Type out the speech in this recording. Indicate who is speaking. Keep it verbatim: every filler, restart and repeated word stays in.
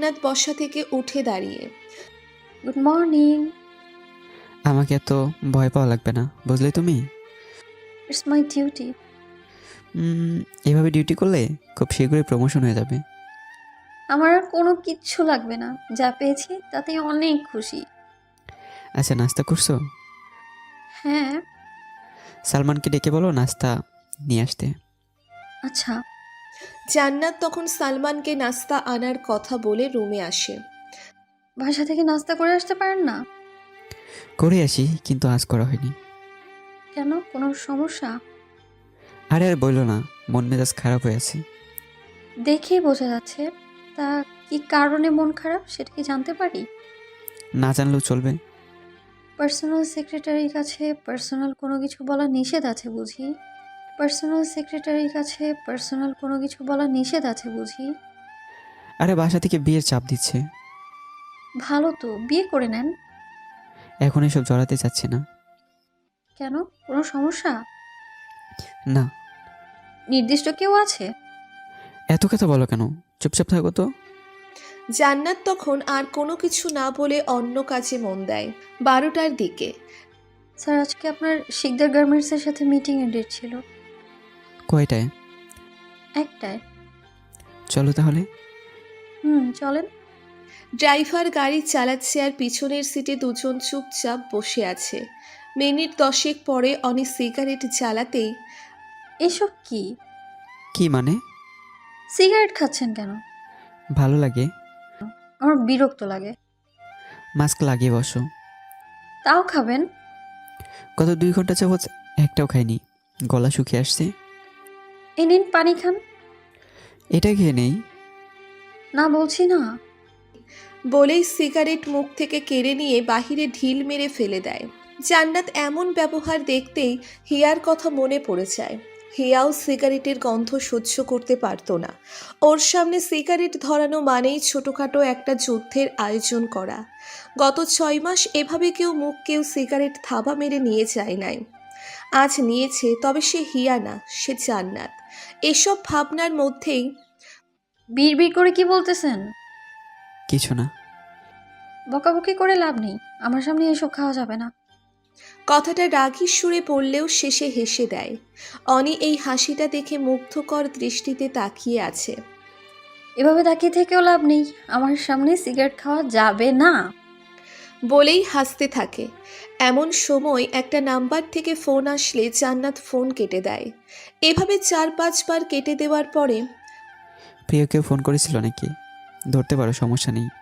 Speaker 1: জান্নাত বসা থেকে উঠে দাঁড়িয়ে।
Speaker 2: Good morning.
Speaker 3: আমাকে এত ভয় পাওয়া লাগবে না, বুঝলে তুমি?
Speaker 2: It's my duty.
Speaker 3: উম, এভাবে ডিউটি করলে খুব শীঘ্রই প্রমোশন হয়ে যাবে।
Speaker 2: আমার আর কোনো কিচ্ছু লাগবে না, যা পেয়েছি তাতেই অনেক খুশি।
Speaker 3: আচ্ছা, নাস্তা করছো?
Speaker 2: হ্যাঁ।
Speaker 3: সালমানকে ডেকে বলো নাস্তা নিয়ে আসতে।
Speaker 2: আচ্ছা।
Speaker 1: জান্নাত তখন সালমানকে নাস্তা আনার কথা বলে রুমে আসে।
Speaker 2: বাসা থেকে নাস্তা করে আসতে পারেন না?
Speaker 3: করে আসি, কিন্তু আজ করা হয়নি।
Speaker 2: কেন, কোনো সমস্যা?
Speaker 3: আরে আর বললো না, মন মেজাজ খারাপ হয়ে আছে।
Speaker 2: দেখেই বোঝা যাচ্ছে। তা কি কারণে মন খারাপ সেটা কি জানতে পারি?
Speaker 3: না জানলেও চলবে।
Speaker 2: পার্সোনাল সেক্রেটারির কাছে পার্সোনাল কোনো কিছু বলা নিষেধ আছে বুঝি? পার্সোনাল সেক্রেটারির কাছে পার্সোনাল কোনো কিছু বলা নিষেধ আছে বুঝি?
Speaker 3: আরে বাসা থেকে বিয়ের চাপ দিচ্ছে।
Speaker 2: ভালো তো, বিয়ে করে নেন।
Speaker 3: এখন এসব জড়াতে চাচ্ছি না।
Speaker 2: কেন, কোনো সমস্যা?
Speaker 3: না।
Speaker 2: নির্দিষ্ট কেউ আছে?
Speaker 3: এত কথা বলো কেন? চুপচাপ থাকো তো।
Speaker 1: জান্নাত তখন আর কোনো কিছু না বলে অন্য কাজে মন দেয়। বারোটার দিকে।
Speaker 2: স্যার, আজকে আপনার শিকদার গার্মেন্টসের সাথে মিটিংয়ের ডেট ছিল।
Speaker 3: কয়টায়?
Speaker 2: একটায়।
Speaker 3: চলো তাহলে।
Speaker 2: হুম, চলেন।
Speaker 1: ড্রাইভার গাড়ি চালাচ্ছে আর পিছনের সিটে দুজন চুপচাপ বসে আছে। মিনিট দশেক পরে অনি সিগারেট জ্বালাতেই
Speaker 2: এসব কি?
Speaker 3: কি মানে?
Speaker 2: সিগারেট খাচ্ছেন কেন?
Speaker 3: ভালো লাগে।
Speaker 2: আমার বিরক্ত লাগে।
Speaker 3: মাস্ক লাগিয়ে বসো।
Speaker 2: তাও খাবেন?
Speaker 3: গত দুই ঘন্টা যাবৎ একটাও খাইনি, গলা শুকিয়ে আসছে।
Speaker 2: এই নিন পানি খান।
Speaker 3: এটা খেয়ে নেই।
Speaker 2: না বলছি না।
Speaker 1: বলেই সিগারেট মুখ থেকে কেড়ে নিয়ে বাহিরে ঢিল মেরে ফেলে দেয়। জান্নাত এমন ব্যবহার দেখতেই হিয়ার কথা মনে পড়ে যায়। হিয়াও সিগারেটের গন্ধ সহ্য করতে পারত না। ওর সামনে সিগারেট ধরানো মানেই ছোটোখাটো একটা যুদ্ধের আয়োজন করা। গত ছয় মাস এভাবে কেউ মুখ কেউ সিগারেট থাবা মেরে নিয়ে যায় নাই। আজ নিয়েছে, তবে সে হিয়া না, সে জান্নাত। এসব ভাবনার মধ্যেই
Speaker 2: বিড় বিড় করে কি বলতেছেন?
Speaker 3: কিছু না।
Speaker 2: বকাবকি করে লাভ নেই, আমার সামনে এসব খাওয়া যাবে না।
Speaker 1: কথাটা রাগী সুরে বললেও শেষে হেসে দেয়। অনি এই হাসিটা দেখে মুগ্ধকর দৃষ্টিতে তাকিয়ে আছে।
Speaker 2: এভাবে তাকিয়ে থেকেও লাভ নেই, আমার সামনে সিগারেট খাওয়া যাবে না।
Speaker 1: বলেই হাসতে থাকে। এমন সময় একটা নাম্বার থেকে ফোন আসলে জান্নাত ফোন কেটে দেয়। এভাবে চার পাঁচবার কেটে দেওয়ার পরে
Speaker 3: প্রিয় কেউ ফোন করেছিল নাকি? ধরতে পারো, সমস্যা নেই।